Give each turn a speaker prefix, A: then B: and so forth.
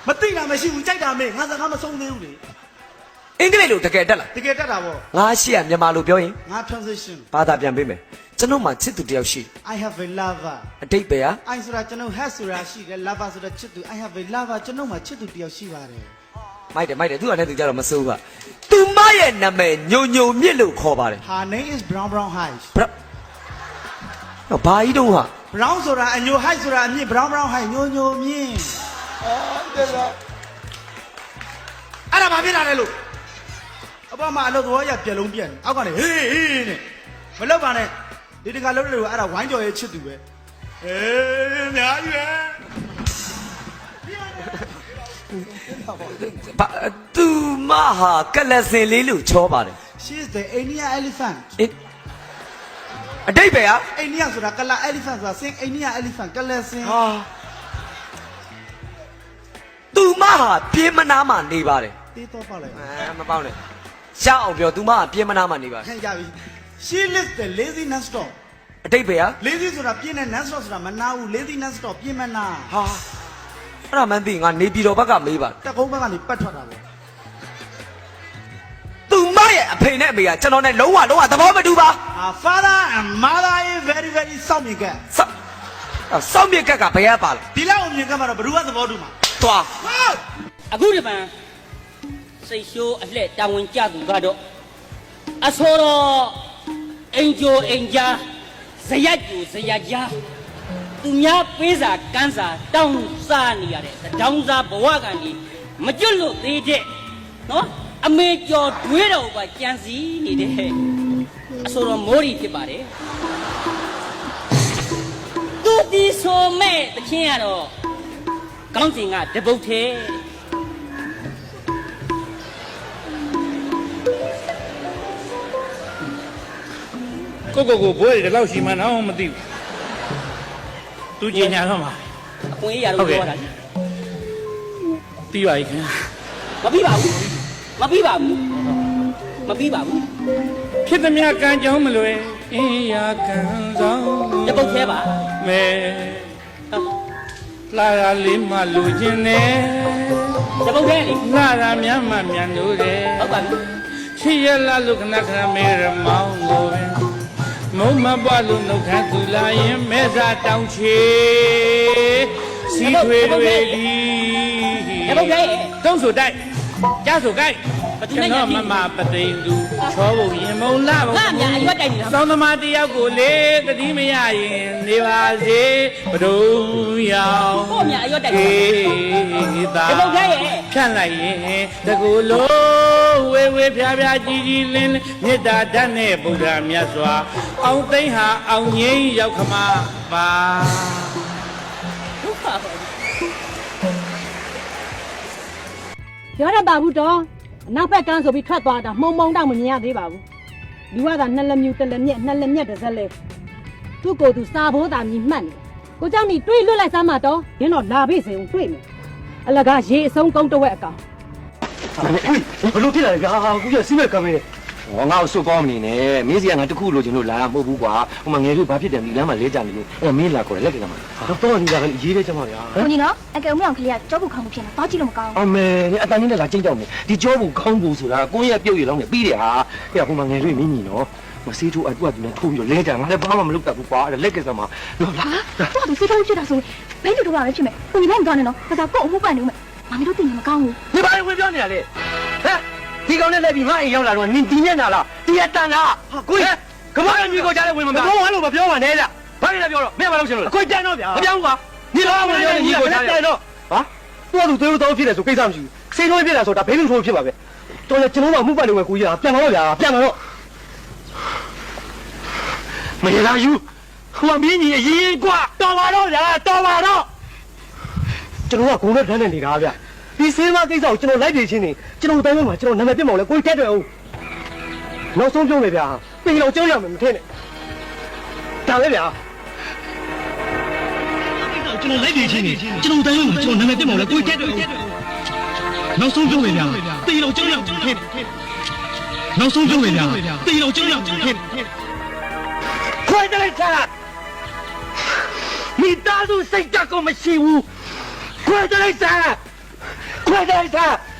A: မသိတာမရှိဘူးကြိုက်တာမေးငါစကားမဆုံးသေးဘူးလေ
B: အင်္ဂလိပ်လိုတကယ်တက်လား
A: တကယ်တက်တာဗော
B: ငါရှိရမြန်မာလိုပြောရင်
A: ငါ transition
B: ဘာသာပြန်ပေးမယ်ကျွန်တော်မှချစ်သူတယောက်ရှိ
A: I have a lover
B: အတိတ်ပဲဟာ
A: I ဆိုတာကျွန်တော် has ဆိုတာရှိတယ် lover ဆိုတာချစ်သူ I have a lover ကျွန်တော်မှချစ်သူတယောက်ရှိပါတယ်
B: မိုက်တယ်သူကလည်းသူကြတော့မစိုးဘူးကသူမရဲ့နာမည်ညိုညိုမြင့်လို့ခေါ်ပါတယ်
A: Her name is brown high
B: ဘာကြီးတော့ဟာ
A: brown ဆိုတာအညို high ဆိုတာအမြင့် brown high ညိုညိုမြင့်တဲ့လားအဲ့ဒါဘာဖြစ်လာလဲလို့အပေါ်မှာအလုပ်သဘောရပြက်လုံးပြက်နေအောက်ကနေဟေးနဲ့မလောက်ပါနဲ့ဒီတခါလုံးလို့အဲ့ဒါဝိုင်းကြော်ရဲ့ချစ်သူပဲအေးအများကြီးပဲ
B: သူမဟာကလစင်လေးလို့ချောပါတယ်
A: She is the Indian elephant
B: အတိတ်ပဲဟာ
A: Indian ဆိုတာကလာ elephant ဆိုတာ sing Indian elephant ကလစင်
B: ဟာသူမဟာပြင်းမနာမှနေပါတယ်
A: တေးတော့ပေါ့လေ
B: မပေါင်းနဲ့ရှောက်အောင်ပြောသူမဟာပြင်းမနာမှနေပါတယ်
A: ဟဲ့ရပြီ She lives the lazy non stop
B: အတိတ်ပဲဟာ
A: lazy ဆိုတာပြင်းတဲ့ non stop ဆိုတာမနာဘူး lazy non stop ပြင်းမနာ
B: ဟာအဲ့ဒါမှန်းသိငါနေပြည်တော်ဘက်ကမေးပါ
A: တက်ကုန်းဘက်ကနေပတ်ထွက်တာပေါ့
B: သူမရဲ့အဖေနဲ့အမေကကျွန်တော်နဲ့လုံးဝသဘောမတူပါ
A: Father and mother is very very စောင့်မြင်က
B: စောင့်မြစ်ကဘယ်ရပါလဲ
A: ဒီလောက်မြင်ကမှာတော့ဘယ်သူကသဘောတူမှာ
B: သွား
C: အခုဒီမှာစိတ်ရှိုးအလှဲ့တာဝန်ကျသူကတော့အစောတော့အင်ဂျိုအင်ဂျာဇယက်ကျူဇယက်ဂျာသူများပေးစာကန်းစာတောင်းစားနေရတဲ့တောင်းစားဘဝကနေမကျွတ်လို့သေးတဲ့နော်အမေကျော်တွေးတော်ကကြံစည်နေတဲ့အစောတော့မိုးရီဖြစ်ပါတယ်သူဒီဆိုမဲ့တခြင်းကတော့ကောင်းစဉ်ကတပုတ်သေး
D: ကိုဘွဲတွေဒီလောက်ရှိမှန်းတော့မသိဘူးသူကြီးညာတော့မှာ
C: အခွင့်အရေးရတော့ပြောတာ
D: ပြီးပါပြီခင်ဗျာ
C: မပြီးပါဘူးမပြီးပါဘူးမပြီးပါဘူး
D: ဖြစ်သမျှကံကြောင်းမလွယ်အင်းရာကံဆောင်
C: တပုတ်သေးပါ
D: မဲလာရလေးမှလူချင်းနဲ့
C: တပုတ်သေးလေ
D: လာရမြတ်မှမြန်လို့တယ်
C: ဟုတ်ပါပြီ
D: ချစ်ရလာလို့ခဏခဏမဲရမောင်းလို့ပဲမုံမပွားလို့နှုတ်ခမ်းသူလာရင်မဲစားတောင်းချေစီထွေတွေဒီ
C: တပုတ်သေး
D: တုံးဆိုတိုက်ကြားဆိုကိုက်ကျွန်တော်မမပသိန်သူချောဖို့ရင်မုံလာဖို့
C: ငါများအရွက်တိုက်နေတာ
D: စောင်းသမားတယောက်ကိုလေတတိမရရင်နေပါစေဘဒုံရောင်
C: ကိုများအရွက်တိုက်နေတာ
D: သာ
C: တပုတ်သေး
D: ဖြန့်လိုက်ရင်တကူလုံးဝေဝေဖြားဖြားကြီးကြီးလင်းလင်းမေတ္တာဓာတ်နဲ့ဗုဒ္ဓမြတ်စွာအောင်သိမ့်ဟာအောင်ငိမ့်ရောက်ခမပါ
C: ဒုက္ခပါ
E: ပြောတတ်ပါဘူးတော့အနောက်ဘက်ကန်းဆိုပြီးထွက်သွားတာမှုံတော့မမြင်ရသေးပါဘူးလူကသာနှစ်လက်မြူတစ်လက်မြက်နှစ်လက်မြက်တစ်စက်လဲသူ့ကိုယ်သူစာဘိုးတာမြည်မှတ်နေကိုเจ้านี่တွေးလွတ်လိုက်စမ်းမတော့ရင်းတော့လာပြီစေဦးတွေးမယ်အလကားရေအဆုံးကုန်းတဝက်အကောင်
F: ဘလို့ဖြစ်လာလဲဗျာအခုကျစီးမဲ့ကမ်းမဲဟောငါ့ကိုစုကောင်းမနေနဲ့မင်းစီကငါတခုလိုချင်လို့လာမဟုတ်ဘူးကွာဟိုမှာငယ်လေးဘာဖြစ်တယ်ဒီလမ်းမှာလဲကြနေလို့အဲ့မင်းလာခေါ်တယ်လက်ကကမှာတော့ဒီကလည်းရေးတယ်ကျမဗျာ
G: ကိုကြီးနော်အကယ်ဦးမြောင်ကလေးကကြောဘူးခေါင်းမှုဖြစ်နေတော့ကြည့်လို့မကောင်း
F: အမေနေအတန်ကြီးနဲ့လာကြိတ်တော့နေဒီကြောဘူးခေါင်းဘူးဆိုတာကိုယ့်ရဲ့ပြုတ်ရလောင်းနေပြီးတယ်ဟာအဲ့ဟိုမှာငယ်လေးမင်းညီနော်မစေးထိုးအတူတူနဲ့ထိုးပြီးတော့လဲကြငါလည်းဘာမှမလုပ်တတ်ဘူးကွာအဲ့လက်ကစားမှာလို့လား
G: ဟာသူစိတ်ထုတ်ဖြစ်တာဆိုဘယ်လိုတော့ပဲဖြစ်မယ်ကိုကြီးလည်းမတော်နဲ့နော်ဒါကကို့အမှုပန့်နေဦးမယ်မမီတို့တင်နေမကောင်းဘူး
F: ဒီဘာဝင်ပြောနေရလဲဟမ်ဒီကောင်နဲ့လိုက်ပြီးငါအိမ်ရောက်လာတော့နင်ဒီညက်နာလားဒီရတန်လားဟာကိုကြီးကမ္ဘာမြေကိုကြားလဲဝင်မပြောဘာလို့မပြောပါနဲ့ဗျဘာလဲပြောတော့မင်းဘာလို့ရှင်လို့ကိုကြမ်းတော့ဗျာမပြောဘူးကွာဒီလိုမှမပြောရင်ညီကိုကြားတယ်တော့ဟာသူ့သူသွေးတော့ဖြစ်တယ်ဆိုကိစ္စမရှိဘူးစိတ်ထိုးဖြစ်တာဆိုတာဘေးလူထိုးဖြစ်ပါပဲတော်ရကျွန်တော်မှမှုပတ်နေဝယ်ကိုကြီးကပြန်တော့ဗျာပြန်တော့မရလားယူဟိုမင်းကြီးအရင်ကွာတော်ပါတော့ဗျာတော်ပါတော့ကျွန်တော်ကဂုံနဲ့ထမ်းနေနေတာဗျဒီစေးမကိစ္စကိုကျွန်တော်လိုက်ပြေချင်းနေကျွန်တော်တိုင်းမှာကျွန်တော်နာမည်ပြတ်မောင်လဲကိုကြီးတက်တယ်အောင်နောက်ဆုံးပြောမယ်ဗျာပြင်တော့ကျုံးရမယ်မထင်နဲ့ဒါပဲဗျာကျွန်တော်လိုက်ပြေချင်းနေကျွန်တော်တိုင်းမှာကျွန်တော်နာမည်ပြတ်မောင်လဲကိုကြီးတက်တယ်အောင်နောက်ဆုံးပြောမယ်ဗျာပြင်တော့ကျုံးရမယ်မထင်နဲ့နောက်ဆုံးပြောမယ်ဗျာပြင်တော့ကျုံးရမယ်မထင်နဲ့ခွဲတယ်လိုက်တာမိသားစုစိတ်ဓာတ်ကိုမရှိဘူးခွဲတယ်လိုက်တာ快点一下